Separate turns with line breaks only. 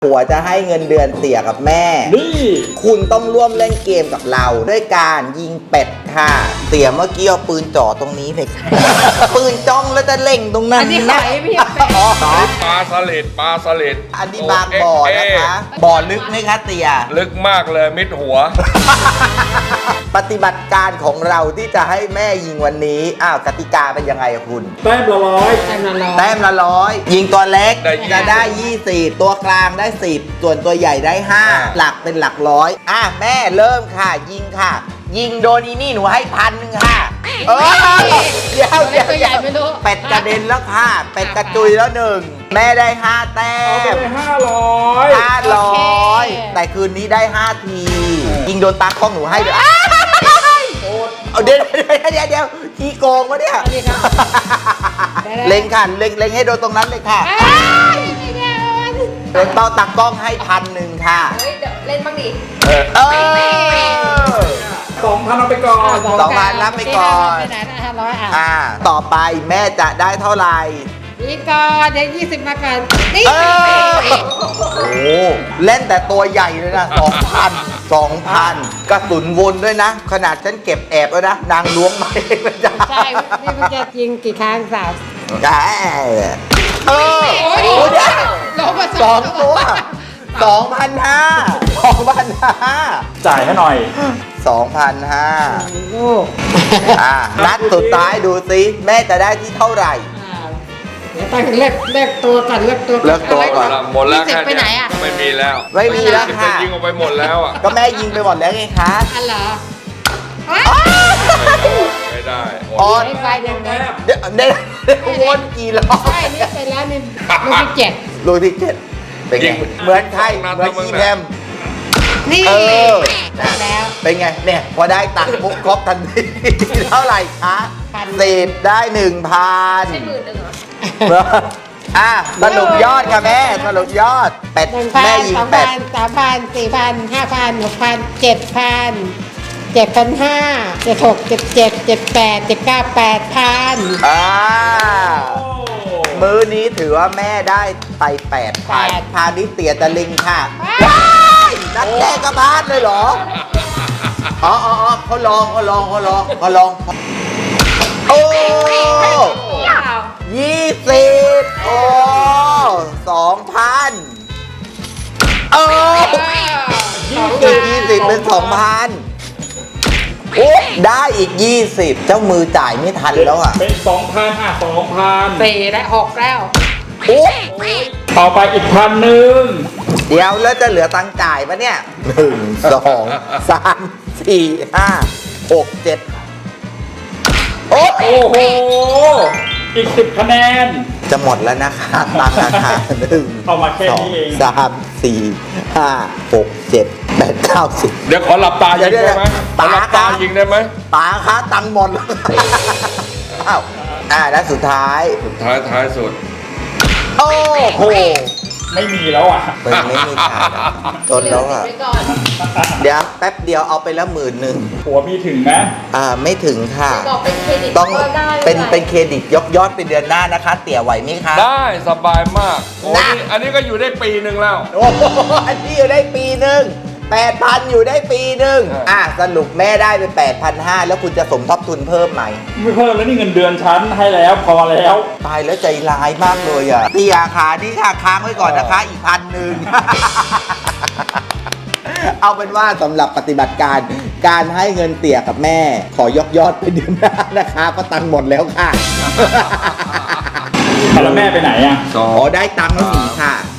ผัวจะให้เงินเดือนเตี่ยกับแม่
นี่
คุณต้องร่วมเล่นเกมกับเราด้วยการยิงเป็ดค่ะเตี่ยเมื่อกี้เอาปืนจ่อตรงนี้เลยค่ะ ปืนจ้องแล้วจะเล็งตรงนั้น
อันนี้หอยไม่ใช่เป็ด
อ๋อ
ปลาสลิดปลาสลิด
อันนี้บางบ่อนะคะบ่อลึกไหมคะเตี่ย
ลึกมากเลยมิดหัว
ปฏิบัติการของเราที่จะให้แม่ยิงวันนี้กติกาเป็นยังไงอะคุณ
แต้มละร้อย
แต้มละร้อย
แต้มละ100ยิงตัวเล็ก
ได้
จะได้20ตัวกลางได้10ส่วนตัวใหญ่ได้5หลักเป็นหลักร้อยแม่เริ่มค่ะ ยิงค่ะ ยิงโดนอีนี่หนูให้1,000ค่ะเดี๋ยว
ตัวใหญ่ไม่รู้
เป็ดกระเด็นแล้วค่ะ เป็ดกระจุยแล้ว1แม่ได้5แต้
เอาไป
ม
เลย
500แต่คืนนี้ได้5ทียิงโดนตากล้องหนูให้ด้วย
โอ๊ต
เอาเดี๋ยวขี้โกงวะเนี่ย
อันนี้ครับ
เล็งค่ะเล็งให้โดนตรงนั้นเลยค่ะโดนเป้าตักกล้องให้1,000ค่ะ
เฮ้ยเดี๋ยวเล่นบ้างดิ
2,000เอาไปก่อน
2,000รับไปก่อน
ไปไหนนะ500
ต่อไปแม่จะได้เท่าไหร่
นี่ก่อนเดี๋ยว20มาก่อนนี่
โอ้เล่นแต่ตัวใหญ่เลยนะ2,000กระสุนวนด้วยนะ ขนาดฉันเก็บแอบแล้วนะ นางล้วงมาเองเลยจ้ะ
ใช่นี่มันจะยิงกี่ครั้งสาว
โอ้เดี๋ยว
ลงมา
สองตัว2,500
จ่ายให้หน่อย
2,500
ลูก
นัดสุดท้ายดูสิแม่จะได้ที่เท่าไหร่
เดี๋ยวตั้งเลือกตัวก่อนเลือกตัว
เลือกตัวก่อน
หมดแล้ว
20
แค่
ไปไหนอ่ะ
ไม่มีแล้ว
ไม่มีแล้ว
จะ
ค่ะ
ยิงออกไปหมดแล้วอ่ะ
ก็แม่ยิงไปหมดแล้วไงคะ
อันเหรอ
ไม่ได้หมด
อ๋อ
ไม่ไปยังไง
เดี๋ยววนกี่รอบ
ใช่นี่ไปแล้วนี่ลูกที่7
ลูกที่7เป็นไงเหมือนใครเหมือนอีแพม
นี่
ได้
ได้แล้ว
เป็นไงเนี่ยพอได้ตังค์ปุ๊บครบทันทีเท่าไหร่คะ
1,000
10ได้ 1,000
ใช่10,000เหรอ
สรุปยอดค่ะแม่สรุปยอดเป็ด
1,000
แม่ยิง
2,000
เป็ด
3,000 4,000 5,000 6,000 7,000 7,500 76 77 78 79 8,000
มื้อนี้ถือว่าแม่ได้ไป8,000พาณิชย์เตียตะลิงค่ะนักแรกกระพาดเลยเหรออ๋อเขาลองโอ้20โอ้2,00020เป็น 2,000โอ้ได้อีก20เจ้ามือจ่ายไม่ทันแล้วอ่ะ
เป็น 2,000
4และ6แล้ว
โอ้
ต่อไปอีก1,000
เดี๋ยวแล้วจะเหลือตังค์จ่ายปะเนี่ย1 2 3 4 5 6 7โอ้
โอ้โห อีก10คะแนน
จะหมดแล้วนะคะตังค์ราคา1
เอามาแค่นี้เอง
2 3 4 5 6 7 8 9 10
เดี๋ยวขอหลับตายิงได้ไหมขอหลับตายิงได้ไหม
ป๋าคะตังค์หมดแล้วอ้าวแล้วสุดท้าย
ท้ายสุด
โอ้โห
ไม่มีแล้วอ่ะ
ไม่มีขายแล้วจนแล้วอ่ะ
ไปก่อน
เดี๋ยวแป๊บเดียวเอาไปแล้ว11,000
หัวมีถึงไหม
ไม่ถึงค่ะ
บอกเป็นเครดิต
ต้อง
ก็ได้
เป็นเครดิตยอดเป็นเดือนหน้านะคะ เตี่ยไหวไหมคะ
ได้สบายมากโอ้
นะ
นี่อันนี้ก็อยู่ได้ปีหนึ่งแล้ว
โอ้โหอันนี้อยู่ได้ปีหนึ่ง8,000อยู่ได้ปีหนึ่งสรุปแม่ได้ไป8,500แล้วคุณจะสมทบทุนเพิ่มไหม
ไม่เพิ่มแล้วนี่เงินเดือนฉันให้แล้วพอแล้ว
ตายแล้วใจร้ายมากเลยอ่ะเตี่ยขานี่ค่ะค้างไว้ก่อนนะคะอีก1,000 เอาเป็นว่าสำหรับปฏิบัติการให้เงินเตี่ยกับแม่ ขอยอดไปเดือนหน้านะคะเพราะตังค์หมดแล้วค่ะ
แล้วแม่ไปไหนอ่ะ
อ๋อได้ตังค์แล้วหนีค่ะ